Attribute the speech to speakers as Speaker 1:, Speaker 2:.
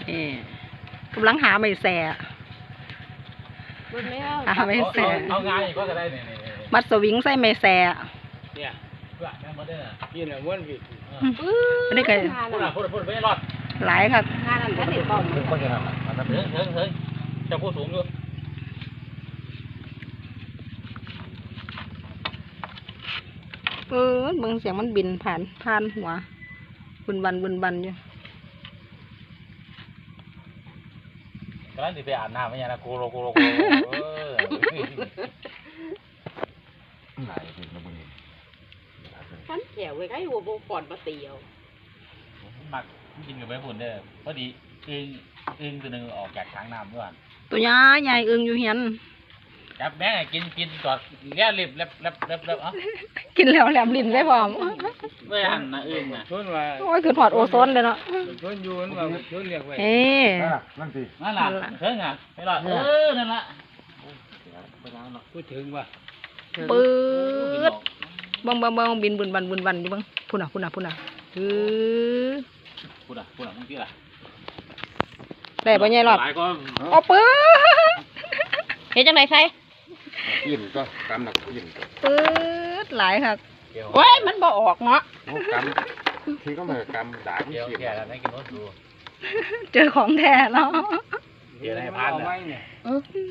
Speaker 1: นี่กำลังหาไม่แส่หาไม่แส่
Speaker 2: เอาง่ายก็ได้เนี่ย
Speaker 1: มัดสวิงใส่ไม่แส่
Speaker 2: เนี่ยเพื่อนแม่มาได้น่ะกินอ่ะม้วนผิด
Speaker 1: อันนี้ก็
Speaker 2: พูดไม่รอด
Speaker 1: หลายครับ
Speaker 2: งานนั้นก็ติดต่อถึงก็จะทำถึงจะพูดสูงอยู่
Speaker 1: เบิ่งเสียงมันบินผ่านหัวบุนบันอยู่
Speaker 2: กำลังจะไปอาบน้ำไม่ยังนะโกโล
Speaker 3: ไหนถึงแล้วมึง
Speaker 4: ฉันแถวไว้ใกล้หัวโบก่อนมาเตียว
Speaker 2: มักกินกับใบฝุ่นเด้อพอดีอึ้งตัวนึงออกจากทางน้ำด้วย
Speaker 1: ตัวใหญ่อึ้งอยู่เฮียน
Speaker 2: จับแม่กินจอดเลี้ยลิบเล็บเอ้า
Speaker 1: กินแล้วแหลมลิ้นได้พร้อม
Speaker 2: ไม่หันนะอึ้งนะชวนว่า
Speaker 1: โอ้ยคือถอดโอโซนเลยเนาะ
Speaker 2: ชวนอยู่ว่าชวนเรียกไว้
Speaker 3: นั่นสิ
Speaker 2: นั่นล่ะเถิงอ่ะไม่หรอกนั่นละพูดถึงว่า
Speaker 1: ปื๊ดบังบินบุนบันอยู่บังพุ่นอ่ะพูดอ่ะ
Speaker 2: มึงที่ล่ะ
Speaker 1: ได้ปะเนี่ยหรอกโอ้ปื๊ดเห็นจังไหนใส่
Speaker 3: ยินก็กำหนักยิน
Speaker 1: ปื๊ดหลายครับโอ้ยมันบ่ออกเนาะ
Speaker 3: กำที่ก็มากำด่าที่
Speaker 2: แก่แล้วได้กินรถดู
Speaker 1: เจอของแท้แล้ว
Speaker 2: เดี๋ยวให้พัน